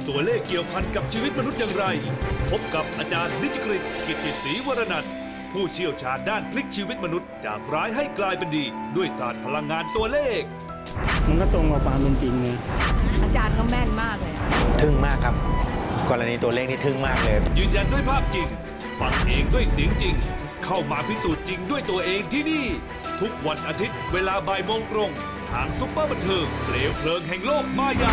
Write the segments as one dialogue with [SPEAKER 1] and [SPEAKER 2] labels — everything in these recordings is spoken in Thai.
[SPEAKER 1] ตัวเลขเกี่ยวพันกับชีวิตมนุษย์อย่างไร พบกับอาจารย์นิจกฤต กิตติศรีวรนันท์ผู้เชี่ยวชาญด้านพลิกชีวิตมนุษย์จากร้ายให้กลายเป็นดี ด้วยศาสตร์พลังงานตัวเลข
[SPEAKER 2] มันก็ตรงกับความเป็นจริงเลย
[SPEAKER 3] อาจารย์ก็แม่นมากเลยอะ
[SPEAKER 4] ทึ่งมากครับ กรณีตัวเลขนี่ทึ่งมากเลย
[SPEAKER 1] ยืนยันด้วยภาพจริง ฟังเองด้วยเสียงจริง เข้ามาพิสูจน์จริงด้วยตัวเองที่นี่ ทุกวันอาทิตย์เวลาบ่ายโมงตรง ทางซุปเปอร์บันเทิงเปลวเพลิงแห่งโลกมายา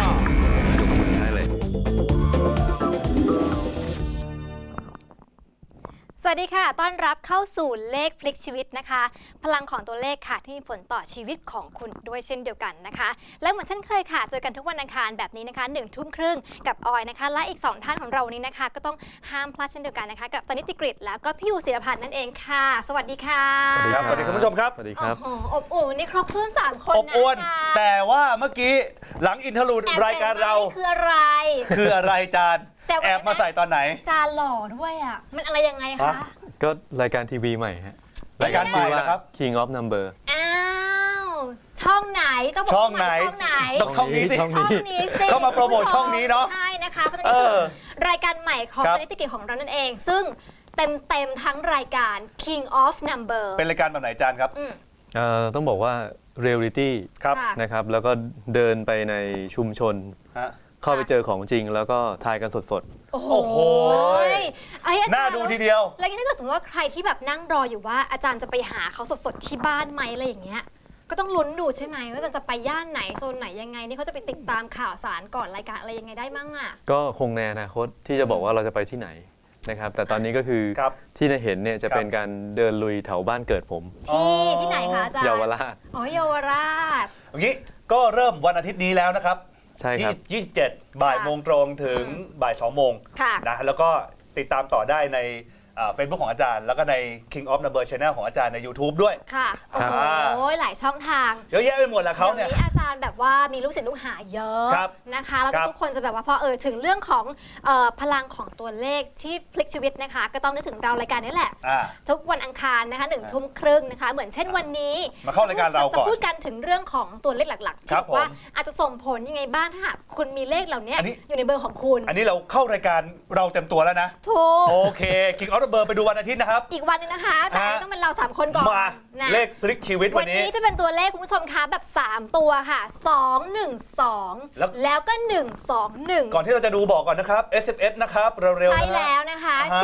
[SPEAKER 5] สวัสดีค่ะ ต้อนรับเข้าสู่เลขพลิกชีวิตนะคะ พลังของตัวเลขค่ะที่มีผลต่อชีวิตของคุณด้วยเช่นเดียวกันนะคะ และเหมือนเช่นเคยค่ะ เจอกันทุกวันอังคารแบบนี้นะคะ1 ทุ่มครึ่งกับออยนะคะ และอีก2ท่านของเรานี้นะคะ ก็ต้องห้ามพลาดเช่นเดียวกันนะคะกับตนิติกฤตแล้วก็พี่ยูศิรพันธ์นั่นเองค่ะ สวัสดีค่ะ
[SPEAKER 6] ครับสวัสดีคุณผู้ชมครับ
[SPEAKER 7] สวัสดีครับ
[SPEAKER 5] โอ้โหอบอุ่นนี่ครบถ้วน3คน
[SPEAKER 6] อบ
[SPEAKER 5] นะ
[SPEAKER 6] อวล
[SPEAKER 5] อาจารย์
[SPEAKER 6] แต่ว่าเมื่อกี้หลังอินทรูด
[SPEAKER 5] แอบ
[SPEAKER 6] รายการเรา
[SPEAKER 5] ใส่ไว้คืออะไร
[SPEAKER 6] คืออะไรจาน
[SPEAKER 5] แซวกัน
[SPEAKER 6] แอบมาใส่ตอนไหน
[SPEAKER 5] อาจารย์หล่อด้วยอ่ะมันอะไรยังไงคะ
[SPEAKER 6] ฮะ
[SPEAKER 7] ก็รายการทีวีใหม่ฮะ
[SPEAKER 6] รายการใหม่
[SPEAKER 7] ชื่อว่า
[SPEAKER 6] นะครับ
[SPEAKER 7] King of Number
[SPEAKER 5] อ้าวช่องไหนต้องบอก
[SPEAKER 6] ช่อง
[SPEAKER 5] ว่า
[SPEAKER 6] ไหน
[SPEAKER 5] ช่องไหน
[SPEAKER 6] ต้องช่องนี้สิ
[SPEAKER 7] ช่อง
[SPEAKER 5] ช่องนี้สิ
[SPEAKER 6] เข้ามาโปรโมทช่องนี้เนอะ
[SPEAKER 5] ใช่นะคะเพราะฉะนั้นคือรายการใหม่ของ
[SPEAKER 6] ครับ
[SPEAKER 5] สถิติกิจของเรานั่นเอง ซึ่งเต็มทั้งรายการ King of Number
[SPEAKER 6] เป็นรายการแบบไหนจานครับ
[SPEAKER 5] อืม
[SPEAKER 7] ต้องบอกว่า Reality
[SPEAKER 6] ครับ
[SPEAKER 5] ค่ะ
[SPEAKER 7] นะครับ แล้วก็เดินไปในชุมชน
[SPEAKER 6] ฮะ
[SPEAKER 7] เข้าไปเจอของจริง แล้วก็ทายกันสด
[SPEAKER 5] โอ้โห
[SPEAKER 6] โอ้โห
[SPEAKER 5] ไอ้อาจารย์
[SPEAKER 6] น่าดูทีเดียว
[SPEAKER 5] แล้วถ้าเกิดสมมติว่าใครที่แบบนั่งรออยู่ว่าอาจารย์จะไปหาเขาสดๆที่บ้านไหมอะไรอย่างเงี้ยก็ต้องลุ้นดูใช่ไหมว่าอาจารย์จะไปย่านไหนโซนไหนยังไงนี่เขาจะไปติดตามข่าวสารก่อนรายการอะไรยังไงได้มั่งอ่ะ
[SPEAKER 7] ๆ ก็คงในอนาคตที่จะบอกว่าเราจะไปที่ไหนนะครับ แต่ตอนนี้ก็คือ
[SPEAKER 6] ครับ
[SPEAKER 7] ที่ได้เห็นเนี่ยจะเป็นการเดินลุยแถวบ้านเกิดผม
[SPEAKER 5] ที่ไหนคะอาจารย์
[SPEAKER 7] เยาวราช
[SPEAKER 5] อ๋อเยาวราช
[SPEAKER 6] อย่างนี้ก็เริ่มวันอาทิตย์นี้แล้วนะครับ
[SPEAKER 7] ใช่ครับ
[SPEAKER 6] 27 บ่ายโมงตรงถึงบ่าย2โมง
[SPEAKER 5] ค่ะ
[SPEAKER 6] นะแล้วก็ติดตามต่อได้ในเฟซบุ๊กของอาจารย์ แล้วก็ใน King of Number Channel ของอาจารย์ใน YouTube ด้วย
[SPEAKER 5] ค่ะโอ้
[SPEAKER 6] ครับ
[SPEAKER 5] โหหลายช่องทาง
[SPEAKER 6] เยอะแยะไปหมดแล้วเขาเนี่ย
[SPEAKER 5] ดี๋วนี้อาจารย์แบบว่ามีลูกศิษย์ลูกหาเยอะ
[SPEAKER 6] ครับ
[SPEAKER 5] นะคะแล้ว
[SPEAKER 6] ค
[SPEAKER 5] ก็
[SPEAKER 6] รับ
[SPEAKER 5] ทุกคนจะแบบว่าพอถึงเรื่องของพลังของตัวเลขที่พลิกชีวิตนะคะ ก็ต้องนึกถึงเรารายการนี้แหละ
[SPEAKER 6] อ่า
[SPEAKER 5] ทุกวันอังคารนะคะ1 ทุ่มครึ่งนะคะ เหมือนเช่นวันนี้
[SPEAKER 6] มาเข้ารายการเราก่อน
[SPEAKER 5] จะพูดกันถึงเรื่องของตัวเลขหลักๆ
[SPEAKER 6] ค
[SPEAKER 5] ที่
[SPEAKER 6] รับ
[SPEAKER 5] บอกว่า
[SPEAKER 6] ผม
[SPEAKER 5] อาจจะส่งผลยังไงบ้างถ้าหากคุณมีเลขเหล่านี้
[SPEAKER 6] อันนี้
[SPEAKER 5] อยู่ในเบอร์ของคุณ
[SPEAKER 6] อันนี้เราเข้ารายการเราเต็มตัวแล้วนะ
[SPEAKER 5] ถูก
[SPEAKER 6] โอเค King of Number ไปดูวันอาทิตย์นะครับ
[SPEAKER 5] อีกวันหนึงนะคะแต่ต้องเป็นเรา3คนก่อน
[SPEAKER 6] มา
[SPEAKER 5] นะ
[SPEAKER 6] เลขพลิกชีวิต
[SPEAKER 5] วั
[SPEAKER 6] วัน นนี้
[SPEAKER 5] นี้จะเป็นตัวเลขคุณผู้ชมคะแบบ 3 ตัวค่ะ 2 1 2 แล้วก็ 1 2 1
[SPEAKER 6] ก่อนที่เราจะดูบอกก่อนนะครับ SMS นะครับเร็วๆ
[SPEAKER 5] ใช่
[SPEAKER 6] นะฮะ
[SPEAKER 5] แล้วนะคะ
[SPEAKER 6] อ่าฮะ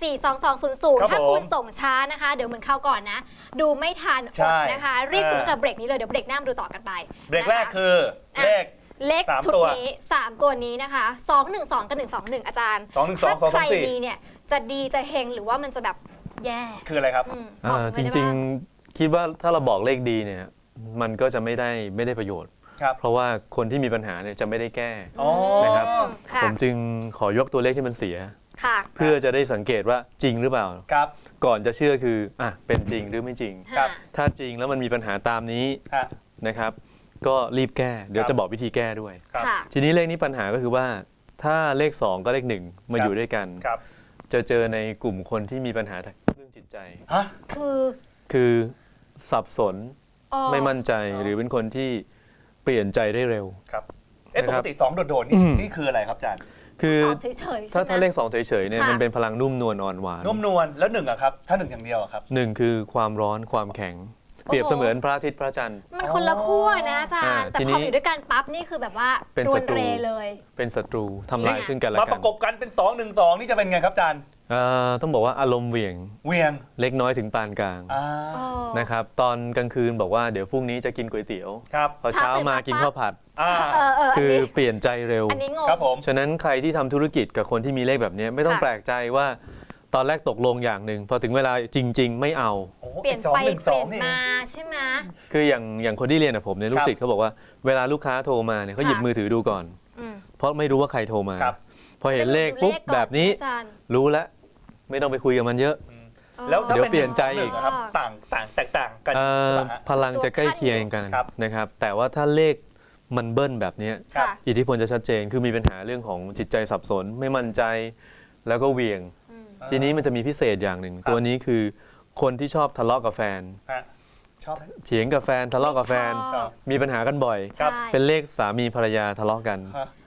[SPEAKER 5] 4642200
[SPEAKER 6] ครับ
[SPEAKER 5] ถ้า
[SPEAKER 6] ผม
[SPEAKER 5] คุณส่งช้านะคะ เดี๋ยวเหมือนเข้าวก่อนนะ ดูไม่ทันอ
[SPEAKER 6] ใช่
[SPEAKER 5] ดนะคะ รีบซื้อกับเบรกนี้เลย เดี๋ยวเบรกหน้ามาดูต่อกันไป
[SPEAKER 6] เบรกแรก
[SPEAKER 5] นะะ
[SPEAKER 6] คือเลข
[SPEAKER 5] เลข
[SPEAKER 6] สาม
[SPEAKER 5] ชุด
[SPEAKER 6] ตัว
[SPEAKER 5] นี้ 3 ตัวนี้นะคะ 212 กับ 121 อาจารย์
[SPEAKER 6] 212
[SPEAKER 5] ถ้าใคร
[SPEAKER 6] 224
[SPEAKER 5] มีเนี่ย จะดีจะเฮงหรือว่ามันจะแบบแย่
[SPEAKER 6] คืออะไรครับ
[SPEAKER 5] บอก
[SPEAKER 7] จ
[SPEAKER 5] ฉันไว้ได้
[SPEAKER 7] ริง
[SPEAKER 5] บ้า
[SPEAKER 7] ๆ คิดว่าถ้าเราบอกเลขดีเนี่ยมันก็จะไม่ได้ประโยชน์
[SPEAKER 6] ครับ
[SPEAKER 7] เพราะว่าคนที่มีปัญหาเนี่ยจะไม่ได้แก้
[SPEAKER 6] อ๋อ
[SPEAKER 7] นะครับ
[SPEAKER 5] ค่ะ
[SPEAKER 7] ผมจึงขอยกตัวเลขที่มันเสีย
[SPEAKER 5] ค่ะ
[SPEAKER 7] เพื่อจะได้สังเกตว่าจริงหรือเปล่า
[SPEAKER 6] ครับ
[SPEAKER 7] ก่อนจะเชื่อคือเป็นจริงหรือไม่จริง
[SPEAKER 6] ครับ
[SPEAKER 7] ถ้าจริงแล้วมันมีปัญหาตามนี้
[SPEAKER 6] ฮะ
[SPEAKER 7] นะครับ ก็รีบแก้ เดี๋ยว
[SPEAKER 6] ครับ
[SPEAKER 7] จะบอกวิธีแก้ด้วย
[SPEAKER 6] ครับ
[SPEAKER 5] ค่ะ
[SPEAKER 7] ทีนี้เลขนี้ปัญหาก็คือว่าถ้าเลข 2 ก็เลข 1 มา
[SPEAKER 6] ครับ
[SPEAKER 7] อยู่ด้วยกัน
[SPEAKER 6] ครับ
[SPEAKER 7] จะเจอในกลุ่มคนที่มีปัญหาเรื่องจิตใจ
[SPEAKER 6] ฮะ
[SPEAKER 5] คือ
[SPEAKER 7] คือสับสน
[SPEAKER 5] อ๋อ
[SPEAKER 7] ไม่มั่นใจหรือเป็นคนที่เปลี่ยนใจได้เร็ว
[SPEAKER 6] ครับป
[SPEAKER 7] นะค
[SPEAKER 6] ก
[SPEAKER 7] รับ
[SPEAKER 6] ติ2โดดๆนี่
[SPEAKER 7] อืม
[SPEAKER 6] นี่คืออะไรครับอาจารย์
[SPEAKER 7] คือ
[SPEAKER 5] สอนเฉยๆใช่ไหม
[SPEAKER 7] ถ้าเลข 2 เฉยๆเนี่ย
[SPEAKER 5] ค่ะ
[SPEAKER 7] มันเป็นพลังนุ่มนวลอ่อนหวาน
[SPEAKER 6] นุ่มนวลแล้ว1อะครับ ถ้า1อย่างเดียวอะครับ
[SPEAKER 7] หนึ่งคือความร้อนความแข็ง เปรียบ
[SPEAKER 5] โอ้โห
[SPEAKER 7] เสมือนพระอาทิตย์พระจันทร์
[SPEAKER 5] มันคนละขั้วนะอาจารย์ แต่
[SPEAKER 7] ที
[SPEAKER 5] พ
[SPEAKER 7] นี้
[SPEAKER 5] ออยู่ด้วยกันปั๊บนี่คือแบบว่า
[SPEAKER 7] เป็น
[SPEAKER 5] รว
[SPEAKER 7] ศั
[SPEAKER 5] น
[SPEAKER 7] ตรู
[SPEAKER 5] เรเลย
[SPEAKER 7] เป็นศัตรูทำลายซึ่งกันและ
[SPEAKER 6] มาป
[SPEAKER 7] กัน
[SPEAKER 6] ระกบกันเป็น2 1 2นี่จะเป็นไงครับอาจารย์
[SPEAKER 7] ต้องบอกว่าอารมณ์เหวี่ยง
[SPEAKER 6] เวียง
[SPEAKER 7] เล็กน้อยถึงปานกลาง
[SPEAKER 6] อ่า
[SPEAKER 7] นะครับตอนกลางคืนบอกว่าเดี๋ยวพรุ่งนี้จะกินก๋วยเตี๋ยว
[SPEAKER 6] ครับ
[SPEAKER 7] พอเช้ามากินข้าวผัด
[SPEAKER 6] อ่า
[SPEAKER 5] อัน
[SPEAKER 7] คือ
[SPEAKER 5] นี้
[SPEAKER 7] เปลี่ยนใจเร็ว
[SPEAKER 5] อันนี้งง
[SPEAKER 6] ครับผม
[SPEAKER 7] ฉะนั้นใครที่ทำธุรกิจกับคนที่มีเลขแบบนี้ไม่ต้อง
[SPEAKER 5] ค่ะ
[SPEAKER 7] แปลกใจว่าตอนแรกตกลงอย่างหนึ่งพอถึงเวลาจริง ๆ ไม่เอา
[SPEAKER 6] โอ้โห
[SPEAKER 5] เปลี่ยน
[SPEAKER 6] สอง
[SPEAKER 5] ไป
[SPEAKER 6] หนึ่ง
[SPEAKER 5] เป
[SPEAKER 6] สอ
[SPEAKER 5] ลี่
[SPEAKER 6] ง
[SPEAKER 5] ยน
[SPEAKER 6] นี่
[SPEAKER 5] มาใช่ไหม
[SPEAKER 7] คืออย่างคนที่เรียนกับผมเนี่ยลูกศิษย์เขาบอกว่าเวลาลูกค้าโทรมาเนี่ยเขาหยิบมือถือดูก่อน
[SPEAKER 5] อืม
[SPEAKER 7] เพราะไม่รู้ว่าใครโทรมา
[SPEAKER 6] ครับ
[SPEAKER 7] พอเห็นเลขปุ๊บ
[SPEAKER 5] ก่อน
[SPEAKER 7] แบบนี้
[SPEAKER 5] อาจารย์
[SPEAKER 7] รู้แล้วไม่ต้องไปคุยกับมันเยอะ
[SPEAKER 6] แล้วถ้า
[SPEAKER 7] เดี๋ยว
[SPEAKER 6] เป็น
[SPEAKER 7] เปลี่ยนใจอีก
[SPEAKER 6] 1ครับแตกต่างกัน
[SPEAKER 7] เอ่อ
[SPEAKER 6] หรือเปล่าฮะ
[SPEAKER 7] พลังจะใกล้เคียงกัน
[SPEAKER 6] ครับ
[SPEAKER 7] นะครับแต่ว่าถ้าเลขมันเบิ้ลแบบเนี้ย
[SPEAKER 6] ครับ
[SPEAKER 5] ค่ะ
[SPEAKER 7] อิทธิพลจะชัดเจนคือมีปัญหาเรื่องของจิตใจสับสนไม่มั่นใจแล้วก็เหวี่ยง ทีนี้มันจะมีพิเศษอย่างหนึ่ง
[SPEAKER 6] ครับ
[SPEAKER 7] ตัวนี้คือคนที่ชอบทะเลาะกับแฟน
[SPEAKER 6] ฮะชอบ
[SPEAKER 7] เถียงกับแฟนทะเลาะกับแฟน
[SPEAKER 5] ไม่ชอบ
[SPEAKER 7] มีปัญหากันบ่อย
[SPEAKER 6] ครับ
[SPEAKER 5] ใช่
[SPEAKER 7] เป็นเลขสามีภรรยาทะเลาะกัน
[SPEAKER 6] ฮะ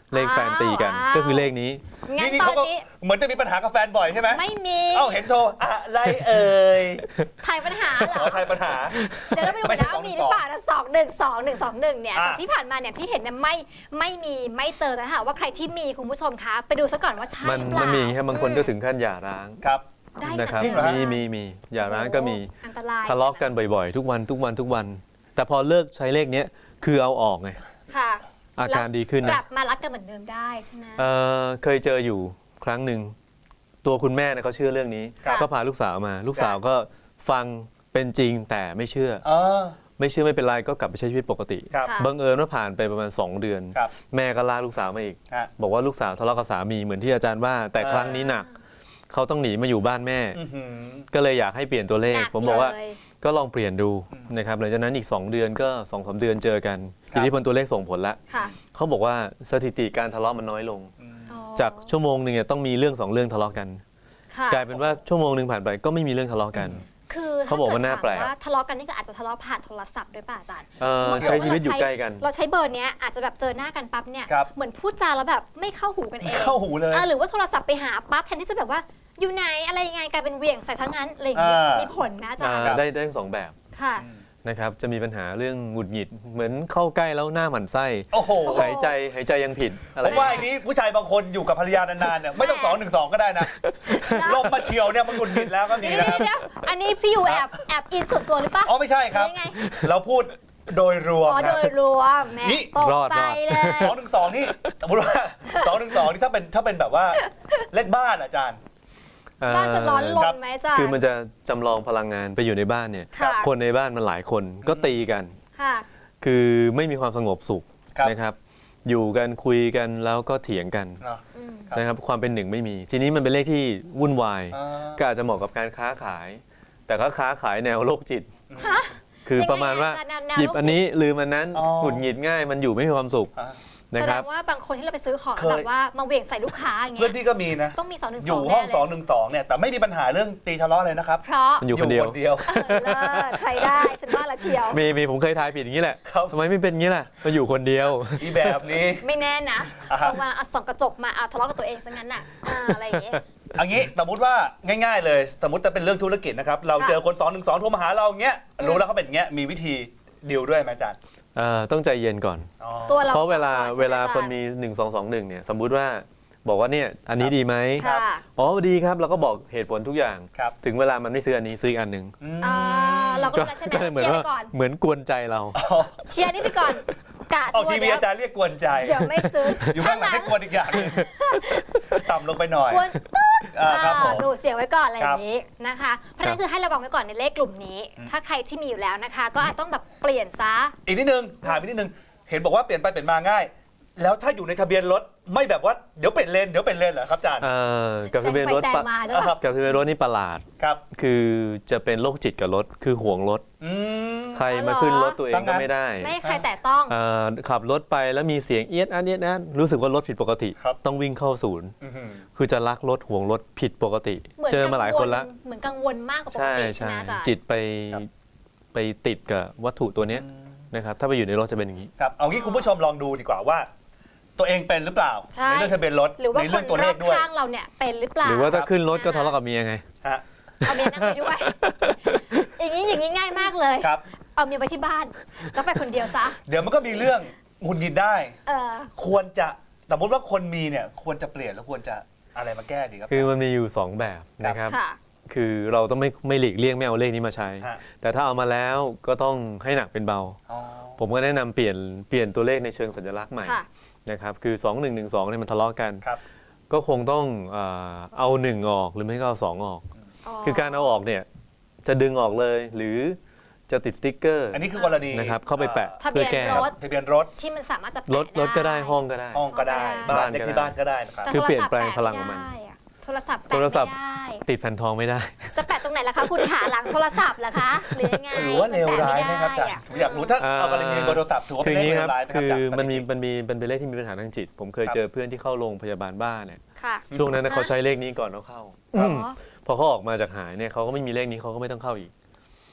[SPEAKER 7] เลขแฟนตีกัน
[SPEAKER 5] ว้าว
[SPEAKER 7] ก็คือเลขนี้
[SPEAKER 5] งั้น
[SPEAKER 6] นี่
[SPEAKER 5] ตอ
[SPEAKER 6] เขา
[SPEAKER 5] น
[SPEAKER 6] ก็
[SPEAKER 5] นี้
[SPEAKER 6] เหมือนจะมีปัญหากับแฟนบ่อยใช่ไหม
[SPEAKER 5] ไม่มี
[SPEAKER 6] เอ้าเห็นโทรอะไรเอ่ย
[SPEAKER 5] ถ่ายปัญหาเหร
[SPEAKER 6] ข
[SPEAKER 5] อ
[SPEAKER 6] อทายปัญหา
[SPEAKER 5] เดี๋ยวเราไปดู
[SPEAKER 6] ไม่
[SPEAKER 5] กัน
[SPEAKER 6] ใช่
[SPEAKER 5] นะว่ามีหรือเปล่านะ212 121เนี่ย
[SPEAKER 6] อ่ะ
[SPEAKER 5] แต่ที่ผ่านมาเนี่ยที่เห็นเนี่ยไม่มีไม่เจอแต่ถ้าหากว่าใครที่มีคุณผู้ชมคะไปดูซะก่อนว่าใช่
[SPEAKER 7] มัน
[SPEAKER 5] หรือเปล่า
[SPEAKER 7] มีแค่บางคนก็ถึงขั้นหย่าร้าง
[SPEAKER 6] ครับ
[SPEAKER 5] ได้
[SPEAKER 7] นะครับ
[SPEAKER 6] จริงเหรอฮะ
[SPEAKER 7] มีหย่าร้างก็มี
[SPEAKER 5] อันตราย
[SPEAKER 7] ทะเลาะกันบ่อยๆ ทุกวัน แต่พอเลิกใช้เลขเนี้ยคือเอาออกไง
[SPEAKER 5] ค่ะ
[SPEAKER 7] อาการดีขึ้น
[SPEAKER 5] ก
[SPEAKER 7] นะ
[SPEAKER 5] ลับมารักกันเหมือนเดิมได้ใช่ไหม
[SPEAKER 7] เคยเจออยู่ครั้งหนึ่งตัวคุณแม่เนี่ยเขาเชื่อเรื่องนี้
[SPEAKER 5] ครับ
[SPEAKER 7] ก็พาลูกสาวมา ลูกสาวก็ฟังเป็นจริงแต่ไม่เชื่อ
[SPEAKER 6] เออ
[SPEAKER 7] ไม่เชื่อไม่เป็นไรก็กลับไปใช้ชีวิตปกติ
[SPEAKER 6] ครับ
[SPEAKER 5] ค่ะ
[SPEAKER 7] บังเอิญว่าผ่านไปประมาณ 2 เดือน
[SPEAKER 6] ครับ
[SPEAKER 7] แม่ก็ลากลูกสาวมาอีก
[SPEAKER 6] ฮะ
[SPEAKER 7] บอกว่าลูกสาวทะเลาะกับสามีเหมือนที่อาจารย์ว่า แต่ครั้งนี้หนักเขาต้องหนีมาอยู่บ้านแม่
[SPEAKER 6] อื้อหือ
[SPEAKER 7] ก็เลยอยากให้เปลี่ยนตัวเลข
[SPEAKER 5] หนัก
[SPEAKER 7] ผมบอกว่า
[SPEAKER 5] เลย
[SPEAKER 7] ก็ลองเปลี่ยนดูนะครับหลังจากนั้นอีก 2 เดือนก็2-3 เดือนเจอกัน
[SPEAKER 6] ครับ
[SPEAKER 7] ทีนี้พอตัวเลขส่งผลแล้ว
[SPEAKER 5] ค่ะ
[SPEAKER 7] เขาบอกว่าสถิติการทะเลาะมันน้อยลง
[SPEAKER 5] อ๋อ
[SPEAKER 7] จากชั่วโมงหนึ่งเนี่ยต้องมีเรื่อง 2 เรื่องทะเลาะกัน
[SPEAKER 5] ค่ะ
[SPEAKER 7] กลายเป็นว่าชั่วโมงหนึ่งผ่านไปก็ไม่มีเรื่องทะเลาะกัน
[SPEAKER 5] คือ
[SPEAKER 7] เขาบอกว่าน่าแปลก
[SPEAKER 5] ถ้เดถมว่าทะเลาะกันนี่ก็อาจจะทะเลาะผ่านโทรศัพท์ด้วยป่ะอาจารย์ สมมุติ
[SPEAKER 7] ใช้ชีวิตอยู่ใกล้กัน
[SPEAKER 5] เราใช้เบอร์เนี้ยอาจจะแบบเจอหน้ากันปั๊บเนี่ย
[SPEAKER 6] ครับ
[SPEAKER 5] เหมือนพูดจาแล้วแบบไม่เข้าหูกันเอง
[SPEAKER 6] เข้าหูเลย
[SPEAKER 5] หรือว่าโทรศัพท์ไปหาปั๊บแทนที่จะแบบว่าอยู่ไหนอะไรยังไงกลายเป็นเหวี่ยงใส่ทั้งนั้นอะไรอย่างเงี้ย
[SPEAKER 6] อ่ามี
[SPEAKER 5] มีผลนะอาจารย์
[SPEAKER 7] ได้ทั้ง 2 แบบ
[SPEAKER 5] ค่ะ
[SPEAKER 7] นะครับจะมีปัญหาเรื่องหงุดหงิดเหมือนเข้าใกล้แล้วหน้าหมั่นไส้
[SPEAKER 6] โอ้โห
[SPEAKER 7] หายใจยังผิดอะไร
[SPEAKER 6] ผมว่าไอ้นี้ผู้ชายบางคนอยู่กับภรรยานานๆเนี่ยไม่ต้อง212ก็ได้นะลมมาเฉียวเนี่ยมันหงุดหงิดแล้วก็มี
[SPEAKER 5] เดี๋ยว
[SPEAKER 6] นะครับ
[SPEAKER 5] เดี๋ยวอันนี้พี่อยู่แอบอินส่วนตัวหรือปะ
[SPEAKER 6] อ๋อไม่ใช่ครับ
[SPEAKER 5] หรือยังไง
[SPEAKER 6] เราพูดโดยรวม
[SPEAKER 5] อ๋อ
[SPEAKER 6] ค
[SPEAKER 5] โด
[SPEAKER 6] รับ
[SPEAKER 5] ยรวมแหม่
[SPEAKER 6] นี่
[SPEAKER 5] ตกใจเลย
[SPEAKER 6] 212นี่สมมติว่า212นี่ถ้าเป็นแบบว่าเลขบ้านอาจารย์
[SPEAKER 5] บ้านจะร้อนร
[SPEAKER 6] ครั
[SPEAKER 5] น
[SPEAKER 6] บ
[SPEAKER 5] ไหมอาจารย์
[SPEAKER 7] คือมันจะจำลองพลังงานไปอยู่ในบ้านเนี่ย
[SPEAKER 5] ค่ะ
[SPEAKER 7] คนในบ้านมันหลายคนก็ตีกัน
[SPEAKER 5] ค่ะ
[SPEAKER 7] คือไม่มีความสงบสุข
[SPEAKER 6] ครับ
[SPEAKER 7] นะครับ อยู่กันคุยกันแล้วก็เถียงกัน
[SPEAKER 6] อ่ะ
[SPEAKER 5] อืม
[SPEAKER 7] นะครับความเป็นหนึ่งไม่มี ทีนี้มันเป็นเลขที่วุ่นวาย
[SPEAKER 6] อ่า
[SPEAKER 7] ก็อาจจะเหมาะกับการค้าขาย แต่ก็ค้าขายแนวโรคจิต
[SPEAKER 5] ฮะ
[SPEAKER 7] คือประมาณว่า
[SPEAKER 5] ยังไงอาจารย์แนว
[SPEAKER 7] หยิบ
[SPEAKER 5] โรคจิต
[SPEAKER 7] อันนี้ลืมอันนั้น
[SPEAKER 6] อ๋อ
[SPEAKER 7] หงุดหงิดง่ายมันอยู่ไม่มีความสุข
[SPEAKER 6] อ่ะ
[SPEAKER 7] นะ
[SPEAKER 5] แส
[SPEAKER 7] ค
[SPEAKER 5] ด
[SPEAKER 7] รับ
[SPEAKER 5] งว่าบางคนที่เราไปซื้อของ
[SPEAKER 6] เคย
[SPEAKER 5] แบบว่ามาเหวี่ยงใส่ลูกค้าอย่าง
[SPEAKER 6] เพื่
[SPEAKER 5] เงี้
[SPEAKER 6] อย นพี่ก็มีนะ
[SPEAKER 5] ต้องมี212
[SPEAKER 6] อยู่ห้อง
[SPEAKER 5] แน่เลย
[SPEAKER 6] 212เนี่ยแต่ไม่มีปัญหาเรื่องตีทะเลาะเลยนะครับ
[SPEAKER 5] เพราะ
[SPEAKER 7] มันอยู่คนเดียว
[SPEAKER 6] คนเดียว
[SPEAKER 5] เลิศใช้ได้ฉันว่าละเชียว
[SPEAKER 7] มีผมเคยทายผิดอย่างนี้แหละ
[SPEAKER 6] ครับ
[SPEAKER 7] ทำไมไม่เป็นอย่างนี้ล่ะก็อยู่คนเดียว
[SPEAKER 6] อีแบบนี้
[SPEAKER 5] ไม่แน่นะ
[SPEAKER 6] อ่าฮะ
[SPEAKER 5] บางวันเอาส่องกระจกมาเอาทะเลาะกับตัวเองซะงั้นน่ะอะไรอย่างเงี้ย
[SPEAKER 6] อันนี้สมมติว่าง่ายๆเลยสมมติจะเป็นเรื่องธุรกิจนะครับเราเจอคน212โทรมาหาเราอย่างเงี้ยรู้แล้วเขาเป็นอย่างเงี้ยมีวิธีดีลด้วยไหมอาจารย์
[SPEAKER 7] ต้องใจเย็นก่อน
[SPEAKER 6] อ๋อ
[SPEAKER 5] ตัวเรา
[SPEAKER 7] เพราะเวลา
[SPEAKER 5] ก่อใช่ไหม
[SPEAKER 7] เวลา
[SPEAKER 5] อจรย์
[SPEAKER 7] คนมี 1221เนี่ยสมมุติว่าบอกว่าเนี่ยอันนี้ดีไหม
[SPEAKER 5] ค่ะ
[SPEAKER 7] อ๋อดีครับเราก็บอกเหตุผลทุกอย่าง
[SPEAKER 6] ครับ
[SPEAKER 7] ถึงเวลามันไม่ซื้ออันนี้ซื้ออีกอันหนึ่ง
[SPEAKER 6] อืม
[SPEAKER 5] อ่าเราก็รู้แล้วใช่ไหม
[SPEAKER 7] ก็เลยเหมือน
[SPEAKER 5] เชียร์
[SPEAKER 7] ว่า
[SPEAKER 5] ไปก่อน
[SPEAKER 7] เหมือนกวนใจเรา
[SPEAKER 5] เชียร์นี่ไปก่อนกะ
[SPEAKER 6] ออก
[SPEAKER 5] ชัว
[SPEAKER 6] ที
[SPEAKER 5] ร์
[SPEAKER 6] วี
[SPEAKER 5] เดี๋ยว
[SPEAKER 6] อาจารย์เรียกกวนใจ
[SPEAKER 5] เดี๋ยวไม่ซื้อ
[SPEAKER 6] อยู่ข้างหลังให้กวนอีกอย่างหนึ่งต่ำลงไปหน่อย
[SPEAKER 5] กวนตึ๊ด
[SPEAKER 6] ครับผม
[SPEAKER 5] ดูเสียงไว้ก่อนอะไรอย่างนี้นะคะ เพราะฉะนั้นคือให้ระวังไว้ก่อนในเลขกลุ่มนี้ ถ้าใครที่มีอยู่แล้วนะคะ ก็อาจต้องแบบเปลี่ยนซะ
[SPEAKER 6] อีกนิดนึงถามอีกนิดนึงเห็นบอกว่าเปลี่ยนไปเปลี่ยนมาง่าย แล้วถ้าอยู่ในทะเบียนรถไม่แบบว่าเดี๋ยวเปลี่ยนเลนเหรอครับอาจารย์
[SPEAKER 7] กับทะเบียนรถ
[SPEAKER 5] แซงไปแซงมาใช่ปะ
[SPEAKER 7] กับทะเบียนรถนี่ประหลาด
[SPEAKER 6] ครับ
[SPEAKER 7] คือจะเป็นโรคจิตกับรถคือห่วงรถ
[SPEAKER 6] อืม
[SPEAKER 7] ใครมาขึ้นรถตัวเอง
[SPEAKER 6] ตั้ง
[SPEAKER 7] ก็
[SPEAKER 6] งั้น
[SPEAKER 7] ไม่ได้
[SPEAKER 5] ไม่ให้ใครแตะต้อง
[SPEAKER 7] ขับรถไปแล้วมีเสียงเอียดอันเอียดอันรู้สึกว่ารถผิดปกติ
[SPEAKER 6] ครับ
[SPEAKER 7] ต้องวิ่งเข้าศูนย์
[SPEAKER 6] อื้อหือ
[SPEAKER 7] คือจะรักรถห่วงรถผิดปกติ
[SPEAKER 5] เหมือน
[SPEAKER 7] เจอมาหลายคนละ
[SPEAKER 5] เหมือนกังวลมากกว่าปก
[SPEAKER 7] ใช่
[SPEAKER 5] ติใช่
[SPEAKER 7] ใช่
[SPEAKER 5] ไหมอาจารย์
[SPEAKER 7] จิตไป
[SPEAKER 6] ครับ
[SPEAKER 7] ไปติดกับวัตถุตัวเนี้ยนะครับถ้าไปอยู่ในรถจะเป็นอย่างนี้
[SPEAKER 6] ครับเอางี้คุณผู้ชมลองดูดีกว่าว่า ตัวเองเป็นหรือเปล่า
[SPEAKER 5] ใช่
[SPEAKER 6] ในเรื่องทะเบียนรถ
[SPEAKER 5] หรือว่า
[SPEAKER 6] ใน
[SPEAKER 5] ค
[SPEAKER 6] เรื่อน งตัว
[SPEAKER 5] ร
[SPEAKER 6] เล
[SPEAKER 5] อ
[SPEAKER 6] ข
[SPEAKER 5] บ
[SPEAKER 6] ด้วย
[SPEAKER 5] ข้างเราเนี่ยเป็นหรือเปล่า
[SPEAKER 7] หรือว่าถ้าขึ้นรถก็ทะเลาะกับเมียไง
[SPEAKER 6] ฮะ
[SPEAKER 5] เอาเมียนั่งไปด้วย อย่างนี้ง่ายมากเลย
[SPEAKER 6] ครับ
[SPEAKER 5] เอาเมียไปที่บ้านแล้วไปคนเดียวซะ
[SPEAKER 6] เดี๋ยวมันก็มีเรื่องหงุดหงิดได้
[SPEAKER 5] เออ
[SPEAKER 6] ควรจะสมมติว่าคนมีเนี่ยควรจะเปลี่ยนแล้วควรจะอะไรมาแก้ดีครับ
[SPEAKER 7] คือมันมีอยู่ 2 แบบนะครับ
[SPEAKER 5] ค่ะ
[SPEAKER 7] คือเราต้องไม่หลีกเลี่ยงไม่เอาเลขนี้มาใช้
[SPEAKER 6] ฮะ
[SPEAKER 7] แต่ถ้าเอามาแล้วก็ต้องให้หนักเป็นเบา
[SPEAKER 6] อ๋อ
[SPEAKER 7] ผมก็แนะนำเปลี่ยนตัวเลขในเชิงสัญลักษณ์ใหม่
[SPEAKER 5] ค่ะ
[SPEAKER 7] นะครับคือ 2112เนี่ยมันทะเลาะกัน
[SPEAKER 6] ครับ
[SPEAKER 7] ก็คงต้องเอา 1 ออกหรือไม่ก็เอา 2 ออก คือการเอาออกเนี่ยจะดึงออกเลยหรือจะติดสติ๊กเกอร์
[SPEAKER 6] อันนี้คือกรณี
[SPEAKER 7] นะครับเข้าไปแปะ
[SPEAKER 5] ทะเบี
[SPEAKER 7] เพื่อย
[SPEAKER 5] น
[SPEAKER 7] แก้
[SPEAKER 5] รถ
[SPEAKER 6] ทะเบียนรถ
[SPEAKER 5] ที่มันสามารถจะ
[SPEAKER 7] รถก็ได้ห้องก็ได้
[SPEAKER 6] ห้องก็ได้
[SPEAKER 5] ห้องก็ได้
[SPEAKER 6] บ้านเลขที่บ้านก็ได้นะครับ
[SPEAKER 5] แต่
[SPEAKER 7] คือเปลี่ยน
[SPEAKER 5] โทรศัพท์
[SPEAKER 7] แปลงพลังของมัน
[SPEAKER 5] แปะไได้อะโทรศัพท์แปะ
[SPEAKER 7] โทรศัพท์
[SPEAKER 5] ไม่ได้
[SPEAKER 7] ติดแผ่นทองไม่ได้
[SPEAKER 5] จะแปะตรงไหนล่ะคะคุณขาหลังโทรศัพท์เหรอคะหรือยังไง
[SPEAKER 6] ถือว่าเลวร้ายนะครับอาจารย์ผมอยากรู้ถ้าเอากรณีเบอร์โทรศัพท์ถือว่า
[SPEAKER 7] คื
[SPEAKER 6] เป็
[SPEAKER 7] อน อย่าง
[SPEAKER 6] เล
[SPEAKER 7] นี้
[SPEAKER 6] ข
[SPEAKER 7] ครับ
[SPEAKER 6] เลวร้ายไหมครับ
[SPEAKER 7] คือ
[SPEAKER 6] จาก
[SPEAKER 7] มันมี
[SPEAKER 6] สถิติ
[SPEAKER 7] เป็นเลขที่มีปัญหาทางจิต ผมเคย
[SPEAKER 6] ครับ
[SPEAKER 7] เจอเพื่อนที่เข้าโรงพยาบาลบ้าเนี่ย
[SPEAKER 5] ค่ะ
[SPEAKER 7] ช่วงนั้นนะเขาใช้เลขนี้ก่อนเขาเข้า
[SPEAKER 5] อ๋อ
[SPEAKER 7] พอเขาออกมาจากหายเนี่ยเขาก็ไม่มีเลขนี้เขาก็ไม่ต้องเข้าอีก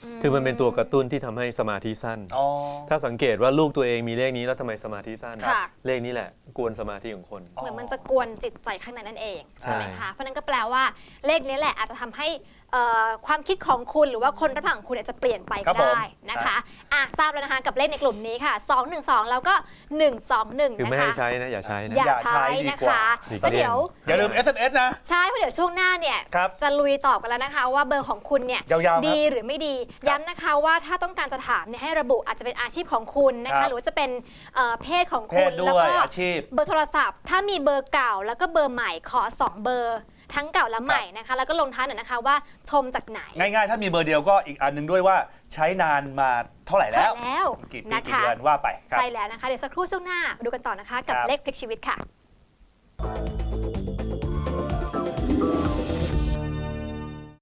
[SPEAKER 7] คือมันเป็นตัวกระตุ้นที่ทำให้สมาธิสั้น
[SPEAKER 6] อ๋อ
[SPEAKER 7] ถ้าสังเกตว่าลูกตัวเองมีเลขนี้แล้วทำไมสมาธิสั้น
[SPEAKER 5] ค่ะ
[SPEAKER 7] เลขนี้แหละกวนสมาธิของคน
[SPEAKER 5] เหมือนมันจะกวนจิตใจข้างในนั่นเองใช่ไหม
[SPEAKER 7] ใช่
[SPEAKER 5] คะ เพราะนั้นก็แปลว่าเลขนี้แหละอาจจะทำให้ความคิดของคุณหรือว่าคนรับฟังของคุณเนี่ยจะเปลี่ยนไป
[SPEAKER 6] ครั
[SPEAKER 5] ก็
[SPEAKER 6] บผม
[SPEAKER 5] ได้นะคะทราบแล้วนะคะกับเลขในกลุ่มนี้ค่ะ 212 แล้วก็ 121
[SPEAKER 7] คือ
[SPEAKER 5] นะ
[SPEAKER 7] ไม่ให้
[SPEAKER 5] คะ
[SPEAKER 7] ใช้นะอย่าใช้นะ
[SPEAKER 5] อย่าใช้
[SPEAKER 6] ดี
[SPEAKER 5] นะ
[SPEAKER 6] กว่า
[SPEAKER 5] คะ
[SPEAKER 7] หลีก
[SPEAKER 5] แล้ว
[SPEAKER 7] เลี่ยง
[SPEAKER 5] เดี๋ยว
[SPEAKER 6] อย่าลืม SMS นะ
[SPEAKER 5] ใช่เพราะเดี๋ยวช่วงหน้าเนี่ย
[SPEAKER 6] ครับ
[SPEAKER 5] จะลุยตอบกันแล้วนะคะ ว่าเบอร์ของคุณเนี่ย
[SPEAKER 6] ยาวๆครับ
[SPEAKER 5] ดีหรือไม่ดี ย้ำนะคะว่าถ้าต้องการจะถามเนี่ยให้ระบุอาจจะเป็นอาชีพของคุณนะ
[SPEAKER 6] ครั
[SPEAKER 5] คะ
[SPEAKER 6] บ
[SPEAKER 5] หรือว่าจะเป็นเพศของ
[SPEAKER 6] เพ
[SPEAKER 5] คุ
[SPEAKER 6] ศ
[SPEAKER 5] ณ
[SPEAKER 6] ด้
[SPEAKER 5] แล้ว
[SPEAKER 6] วย
[SPEAKER 5] ก็
[SPEAKER 6] อาชีพ
[SPEAKER 5] เบอร์โทรศัพท์ ถ้ามีเบอร์เก่าแล้วก็เบอร์ใหม่ขอ 2 เบอร์ ทั้งเก่าและใหม่นะคะ แล้วก็ลงท้ายหน่อยนะคะว่าชมจากไหน
[SPEAKER 6] ง่ายๆ ถ้ามีเบอร์เดียวก็อีกอันหนึงด้วยว่าใช้นานมาเท่าไหร่แล้ว
[SPEAKER 5] แล้ว
[SPEAKER 6] กี่ปี
[SPEAKER 5] นะ
[SPEAKER 6] กี่
[SPEAKER 5] คะ
[SPEAKER 6] เดือนว่าไปครับ
[SPEAKER 5] ใช่แล้วนะคะเดี๋ยวสักครู่ช่วงหน้ามาดูกันต่อนะคะกับ
[SPEAKER 6] ครับ
[SPEAKER 5] เลขพลิกชีวิตค่ะ